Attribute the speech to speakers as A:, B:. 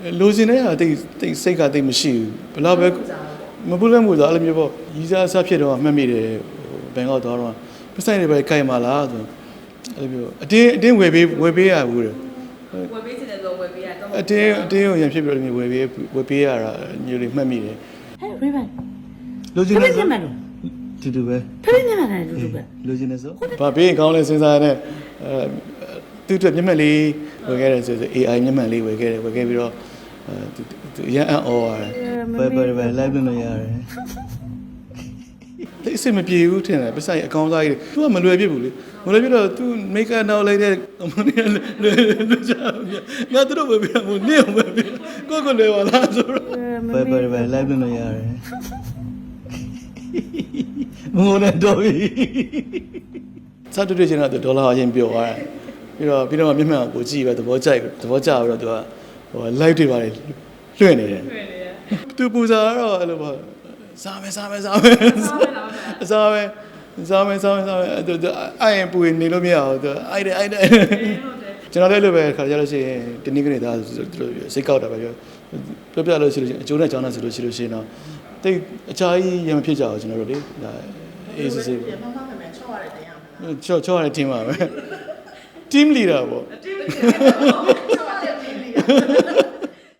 A: လိုချင်တဲ့ဟာတိတ်စိတ်ကတိတ်မရှိဘူးဘယ်တော့ပဲမပူလည်းမပူသားအဲ့လိုမျိုးပေါ့ရီးစားအစားဖြစ်တော့မှတ်မိတယ်ဘန်ကောက်သွားတော့ပတ်ဆိုင်တွေပဲကြိုက်မှာလားဆိုအဲ့လိုမျိုးအတင်းဝယ်ပေးရဘူးတယ်
B: ဝယ်ပေးချင်တယ်ဆိုဝယ်ပေးရတော့
A: အတင်းကိုရံဖြစ်ပြီးတော့ဝယ်ပေးရတာမျိုးတွေမှတ်မိတယ်
C: ဟဲ့ Raven
A: လိုချင်တဲ့တူပဲ
C: ဖေးမြန်မာတယ်တူပဲ
A: လိုချင်တဲ့ဆိုဘာပေးရင်ကောင်းလဲစဉ်းစားတဲ့သူ့အတွက်မျက်မှန်လေးဝယ်ခဲ့တယ်ဆို AI မျက်မှန်လေးဝယ်ခဲ့ပြီးတော့သူရန်အော်ရတယ်ပဲ live လုပ်လို့ရတယ်ဒီအစ်မပြေဘူးထင်တယ်ပစိုက်အကောင်းစားကြီးသူကမလွယ်ပြစ်ဘူးလေမလွယ်ပြစ်တော့သူ make up နောက်လိုက်တဲ့လွယ်ချာငါတို့ပဲပြမို့နေအောင်ပဲကိုလွယ်ပါလားဆိုတော့ပဲ live လုပ်လို့ရတယ်မငုံနဲ့တော့ပြီစတူချင်တော့ဒေါ်လာအရင်ပြောသွားတယ်ပြီးတော့မျက်မှန်ကိုကြည့်ပဲသဘောကျပြီးတော့သူကlive တွေပါတယ်လွှင့်နေတယ်သူပူဇာတော့အဲ့လိုပါစားမယ်အဲ့ရင်ပူနေလို့မရဘူးသူအိုက်တယ်ကျွန်တော်လည်းလိုပဲခါကြလို့ရှိရင်တနည်းကနေသားစိတ်ကောက်တာပဲပြောပြလို့ရှိလို့ရှိရင်အကျိုးနဲ့ကြောင်းနဲ့ဆိုလို့ရှိရင်တော့တိတ်အချာကြီးရမဖြစ်ကြဘူးကျွန်တော်တို့လေအေးစစ်
B: ပြန်မှမယ်ချော့ရတယ်တရားမလား
A: ချော့ရတဲ့ team ပါပဲ team leader ပေါ့
B: team leader ချော့ရတဲ့ team leader